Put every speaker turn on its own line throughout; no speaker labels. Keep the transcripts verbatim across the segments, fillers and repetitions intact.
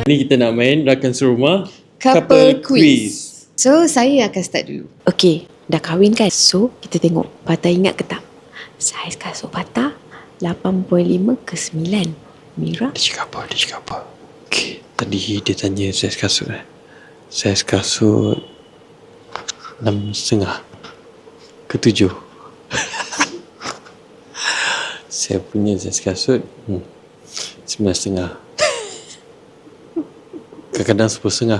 Ni kita nak main rakan serumah
Couple quiz. So, saya akan start dulu.
Okay, dah kahwin kan? So, kita tengok Patah ingat ke tak? Saiz kasut Patah lapan perpuluhan lima ke sembilan. Mira?
Dia cakap apa? Dia cakap apa? Okay, tadi dia tanya saiz kasut eh. Saiz kasut enam setengah ke tujuh. Saya punya saiz kasut hmm, sembilan setengah. Kadang-kadang sepuluh setengah.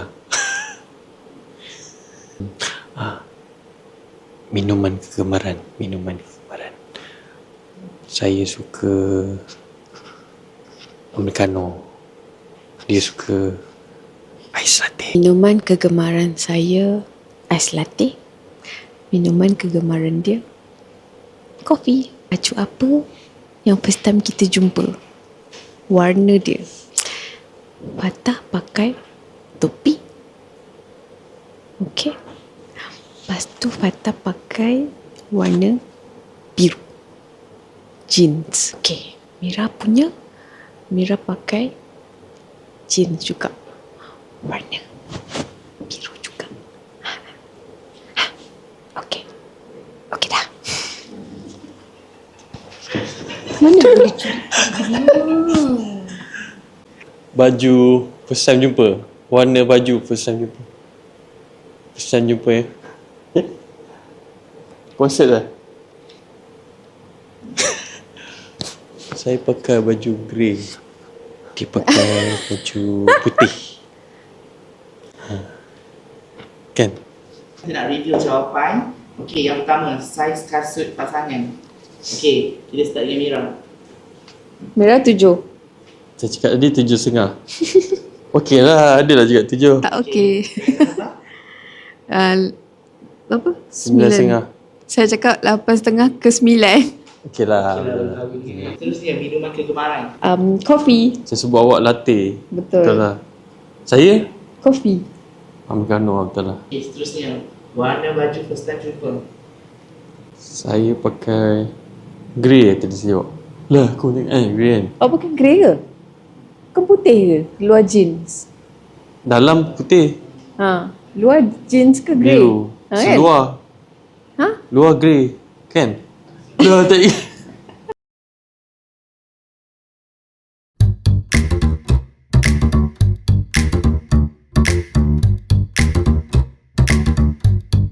ah, Minuman kegemaran. Minuman kegemaran. Saya suka Americano. Dia suka ais latte.
Minuman kegemaran saya ais latte. Minuman kegemaran dia kopi. Baju apa yang first time kita jumpa? Warna dia. Patah pakai topi. Okey. Lepas tu Patah pakai warna biru. Jeans. Okey. Mira punya, Mira pakai jeans juga. Warna biru juga. Ha. Ha. Okey. Okey dah.
Mana boleh curi?
Baju first time jumpa. Warna baju first time jumpa. First time jumpa ya. Eh? Konsert lah. Saya pakai baju grey. Dia pakai baju putih. Ha. Kan?
Kita nak review jawapan. Okey, yang pertama, saiz kasut pasangan. Okey, kita start dengan Mira.
Merah tujuh.
Saya cakap tadi tujuh setengah. Okey lah, ada lah juga tujuh.
Tak okey. uh, apa?
Sembilan setengah.
Saya cakap lapan setengah ke sembilan.
Okey lah.
Seterusnya, minuman kegemaran.
Um, kopi.
Saya sebut awak latte.
Betul.
Betul lah. Saya?
Kopi.
Americano, betul lah.
Okey, seterusnya, warna baju first time jumpa.
Saya pakai grey tadi saya jawab. Lah, aku tengok eh, grey kan.
Oh, pakai grey ke? Bukan putih ke? Luar jeans.
Dalam putih.
Ha. Luar jeans ke grey?
Biru.
Ha, kan?
Seluar.
Ha?
Luar grey. Kan? Dah tak ingat.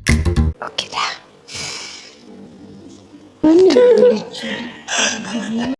Okey dah.
Mana boleh curi?